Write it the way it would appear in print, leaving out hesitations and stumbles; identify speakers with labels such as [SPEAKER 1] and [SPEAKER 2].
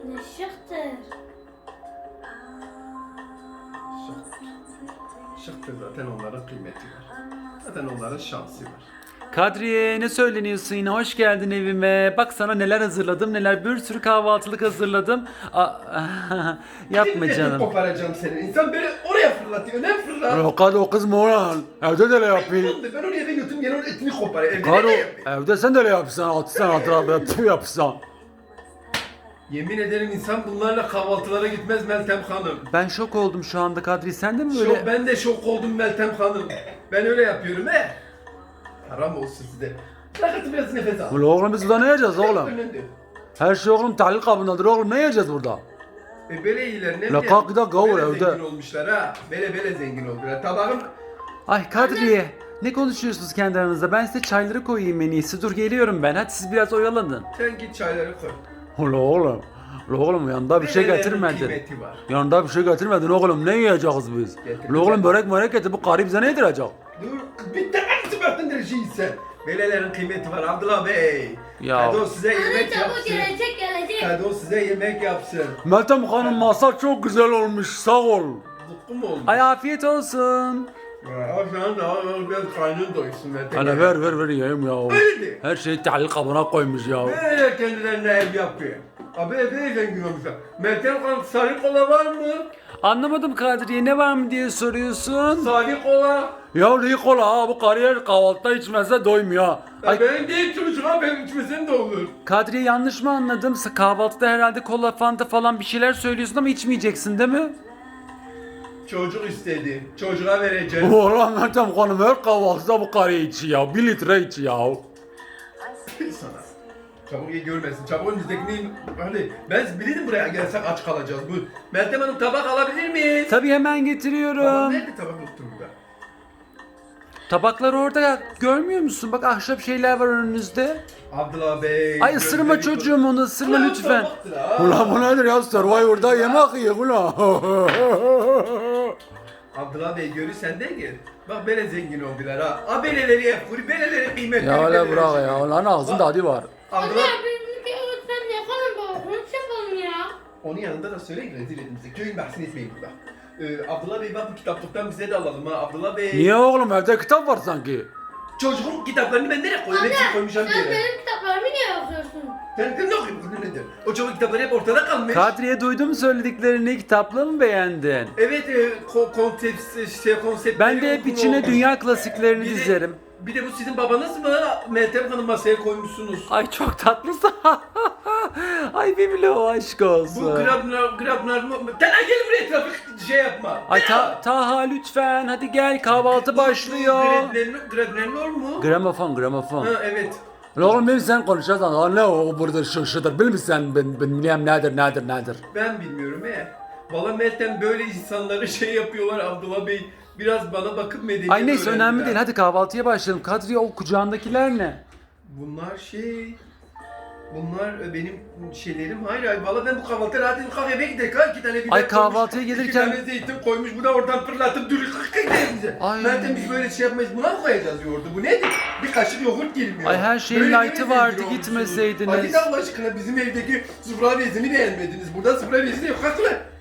[SPEAKER 1] Ne şıktır.
[SPEAKER 2] Şıktır zaten onların kıymeti var. Zaten onların şansı var.
[SPEAKER 3] Kadriye ne söyleniyorsun yine? Hoş geldin evime. Bak sana neler hazırladım, neler bir sürü kahvaltılık hazırladım. Yapma
[SPEAKER 2] Şimdi
[SPEAKER 3] canım.
[SPEAKER 2] koparacağım seni. İnsan böyle oraya fırlatıyor. Ne fırlat?
[SPEAKER 3] Yok hadi o kız mı olan? Evde de öyle yapayım.
[SPEAKER 2] Ben onu eve götürüm gene onun etini kopar. Evde
[SPEAKER 3] Karo,
[SPEAKER 2] ne yapayım?
[SPEAKER 3] evde sen de öyle yapsan, atsan atran yapsan.
[SPEAKER 2] Yemin ederim insan bunlarla kahvaltılara gitmez Meltem Hanım.
[SPEAKER 3] Ben şok oldum şu anda Kadri. Sen de mi böyle?
[SPEAKER 2] Ben de şok oldum Meltem Hanım. Ben öyle yapıyorum he. Haram olsun size. Bırakın biraz nefes al.
[SPEAKER 3] Ulan oğlum biz burada ne yiyeceğiz oğlum?
[SPEAKER 2] Önünde.
[SPEAKER 3] Her şey oğlum tahlil kabındadır oğlum. Ne yiyeceğiz burada?
[SPEAKER 2] Böyle iyiler ne
[SPEAKER 3] La kalk bir dakika
[SPEAKER 2] Böyle
[SPEAKER 3] oğlum, evde.
[SPEAKER 2] zengin olmuşlar ha. Böyle zengin oldular. Tabağım
[SPEAKER 3] Ay Kadriye. Ne konuşuyorsunuz kendi aranızda? Ben size çayları koyayım en iyisi. Dur geliyorum ben. Hadi siz biraz oyalanın.
[SPEAKER 2] sen git çayları koy.
[SPEAKER 3] Ulan oğlum. Ulan oğlum yanında bir şey
[SPEAKER 2] Belelerin
[SPEAKER 3] getirmedin.
[SPEAKER 2] kıymeti var.
[SPEAKER 3] Yanında bir şey getirmedin oğlum. Ne yiyeceğiz biz?
[SPEAKER 2] Getirdim
[SPEAKER 3] Ulan oğlum
[SPEAKER 2] ben.
[SPEAKER 3] börek getir. Bu karı bize ne yedirecek?
[SPEAKER 2] Dur bitti hepsi baktın sen. Belelerin kıymeti var Abdullah Bey.
[SPEAKER 3] Ya.
[SPEAKER 2] Hadi o size
[SPEAKER 1] Anne
[SPEAKER 2] yemek
[SPEAKER 1] çabuk
[SPEAKER 2] yapsın.
[SPEAKER 1] gelecek.
[SPEAKER 2] Hadi o size yemek yapsın.
[SPEAKER 3] Meltem Hanım masa çok güzel olmuş. Sağ ol.
[SPEAKER 2] Zıkkı mı oldu?
[SPEAKER 3] Ay afiyet olsun.
[SPEAKER 2] Ya şu anda biraz karnın doysun Meltem.
[SPEAKER 3] Ana ver yiyeyim ya.
[SPEAKER 2] Öyle.
[SPEAKER 3] Her şeyi tahlil kabına koymuş ya.
[SPEAKER 2] Böyle kendilerine ev yapıyor. Abi eve zengin olmuşlar. Meltem Hanım sarı kola var mı?
[SPEAKER 3] Anlamadım Kadriye ne var mı diye soruyorsun.
[SPEAKER 2] Sarı kola.
[SPEAKER 3] Ya Nikola ha bu kariyer kahvaltıda içmezse doymuyor.
[SPEAKER 2] Ya
[SPEAKER 3] Ay
[SPEAKER 2] benim değil çocuğuma benim içmesem de olur.
[SPEAKER 3] Kadriye yanlış mı anladım? Kahvaltıda herhalde kola, fanta falan bir şeyler söylüyorsun ama içmeyeceksin değil mi?
[SPEAKER 2] Çocuk istedi. Çocuğa vereceğim.
[SPEAKER 3] Ulan Meltem Hanım her kahvaltıda bu karıya içiyor. 1 litre içiyor.
[SPEAKER 2] Sana. Çabuk iyi görmesin. Çabuk önümüzdekini... Hadi ben bilirdim buraya gelsek aç kalacağız. Bu Meltem Hanım tabak alabilir miyiz?
[SPEAKER 3] Tabii hemen
[SPEAKER 2] Tabak
[SPEAKER 3] getiriyorum.
[SPEAKER 2] nerede tabak yoktur burada?
[SPEAKER 3] Tabaklar orada görmüyor musun? Bak ahşap şeyler var önünüzde.
[SPEAKER 2] Abdullah Bey.
[SPEAKER 3] Ay ısırma
[SPEAKER 2] gözleri-
[SPEAKER 3] çocuğum onu ısırma
[SPEAKER 2] Ulan
[SPEAKER 3] lütfen.
[SPEAKER 2] tabaktır ha.
[SPEAKER 3] Ulan bu nedir ya Survivor'da yemek yiyor ulan.
[SPEAKER 2] Abdullah Bey görü sen de gel. Bak böyle zengin oldular ha. Abeleleri yapıyor, beleleri kıymetli.
[SPEAKER 3] Ya öyle
[SPEAKER 2] beleleri
[SPEAKER 3] bırak
[SPEAKER 2] şey.
[SPEAKER 3] ya. Ulan ağzında adı var.
[SPEAKER 1] Anne
[SPEAKER 2] Abdullah
[SPEAKER 1] bizimki sen yapalım baba. Konuşalım ya.
[SPEAKER 2] onun yanında da söyleyin rezil edin bizi. Köyün bahsini etmeyin burada. Abdullah Bey bak bu kitaplıktan bize de alalım ha. Abdullah Bey.
[SPEAKER 3] Niye oğlum evde kitap var sanki.
[SPEAKER 2] Çocuğun kitaplarını ben nereye koyayım?
[SPEAKER 1] Anne
[SPEAKER 2] Hepsini koymuşum bir
[SPEAKER 1] sen
[SPEAKER 2] yere.
[SPEAKER 1] benim kitaplarımı niye okuyorsun?
[SPEAKER 2] Sen ne okuyorsun? Bu nedir? O çocuk kitapları hep ortada kalmış.
[SPEAKER 3] Kadriye duydum söylediklerini kitapla mı beğendin?
[SPEAKER 2] Evet, konsept
[SPEAKER 3] Ben de hep içine dünya klasiklerini
[SPEAKER 2] Bir de-
[SPEAKER 3] dizerim.
[SPEAKER 2] Bir de bu sizin babanız mı? Meltem Hanım masaya koymuşsunuz.
[SPEAKER 3] Ay çok tatlısın. Ay Biblo aşk olsun.
[SPEAKER 2] Bu Grabner mı? Gel gel buraya trafik şey yapma.
[SPEAKER 3] Ay Taha lütfen hadi gel kahvaltı başlıyor.
[SPEAKER 2] Grabner mu?
[SPEAKER 3] Gramofon.
[SPEAKER 2] Ha evet.
[SPEAKER 3] Lan oğlum benim sen konuşacaksan lan ne o burada şıdır bil misin ben bilmem nedir.
[SPEAKER 2] Ben bilmiyorum he. Valla Meltem böyle insanları şey yapıyorlar Abdullah Bey. Biraz bana bakıp medeniyet
[SPEAKER 3] Ay neyse
[SPEAKER 2] öğrendiler.
[SPEAKER 3] önemli değil hadi kahvaltıya başlayalım. Kadriye o kucağındakiler ne?
[SPEAKER 2] Bunlar şey... Bunlar benim şeylerim. Hayır valla ben bu kahvaltıda rahat edip kahveye gidelim. İki tane biber
[SPEAKER 3] Ay,
[SPEAKER 2] koymuş,
[SPEAKER 3] kahvaltıya
[SPEAKER 2] iki
[SPEAKER 3] gelirken-
[SPEAKER 2] tane zeytin koymuş. Bu da oradan fırlatıp dürük bize.
[SPEAKER 3] Ay.
[SPEAKER 2] Meltem biz böyle şey yapmayız. Buna mı koyacağız yoğurdu? Bu nedir? Bir kaşık yoğurt girmiyor.
[SPEAKER 3] Ay, her şeyin
[SPEAKER 2] Böyle
[SPEAKER 3] light'ı
[SPEAKER 2] mi
[SPEAKER 3] vardı,
[SPEAKER 2] zengin olmuşsunuz?
[SPEAKER 3] gitmeseydiniz.
[SPEAKER 2] Hadi de Allah aşkına bizim evdeki sufra bezini beğenmediniz. Burada sufra bezi yok. Haklı.